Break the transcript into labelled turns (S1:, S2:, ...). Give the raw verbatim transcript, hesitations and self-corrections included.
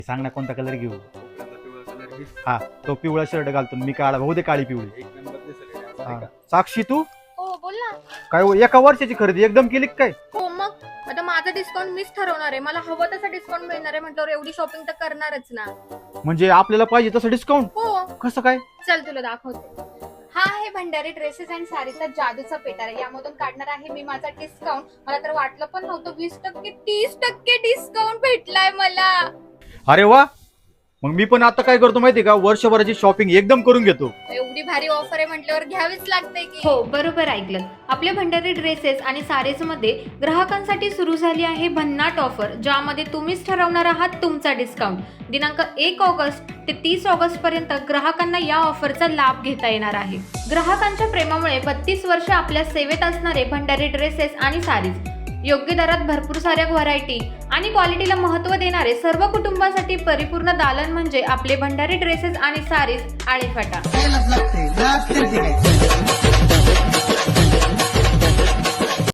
S1: सांग ना कोणता कलर घेऊ.
S2: कोपऱ्यातला पिवळा कलर घे.
S1: हा तो पिवळा शर्ट घालतो मी काळा भाऊ दे काळी पिवळी.
S2: एक नंबर दिसेल हे, असं
S1: हा.
S2: आहे का?
S1: साक्षी तू
S3: हो बोल ना.
S1: काय हो, एका वर्षाची खरेदी एकदम केली का काय?
S3: हो मग आता माझं डिस्काउंट मीच ठरवणार आहे. मला हवं तसं डिस्काउंट मिळणार आहे म्हटल्यावर एवढी शॉपिंग तर करणारच ना.
S1: म्हणजे आपल्याला पाहिजे तसं डिस्काउंट
S3: हो
S1: कसं काय?
S3: चल तुला दाखवते. हा आहे भंडारी ड्रेसेस अँड साडीचा जादूचा पेटार आहे. यामधून काढणार आहे मी माझा डिस्काउंट. मला तर वाटलं पण नव्हतं वीस टक्के तीस टक्के डिस्काउंट भेटलाय मला.
S1: अरे वा, मग मी पण आता काय करतो माहितीये का, वर्षभराची शॉपिंग एकदम करून घेतो.
S3: एवढी भारी ऑफर आहे म्हटल्यावर घ्यावीच लागते की.
S4: हो बरोबर ऐकलं. आपल्या भंडारी ड्रेसेस आणि साडीज मध्ये ग्राहकांसाठी सुरू झाली आहे भन्नाट ऑफर, ज्यामध्ये तुम्हीच ठरवणार आहात तुमचा डिस्काउंट. दिनांक एक ऑगस्ट ते तीस ऑगस्ट पर्यंत ग्राहकांना या ऑफरचा लाभ घेता येणार आहे. ग्राहकांच्या प्रेमामुळे बत्तीस वर्ष आपल्या सेवेत असणारे भंडारी ड्रेसेस आणि साडीज योग्य दरात भरपूर साऱ्या व्हरायटी आणि क्वालिटीला महत्त्व देणारे सर्व कुटुंबासाठी परिपूर्ण दालन म्हणजे आपले भंडारी ड्रेसेस आणि साडीज आळेफाटा.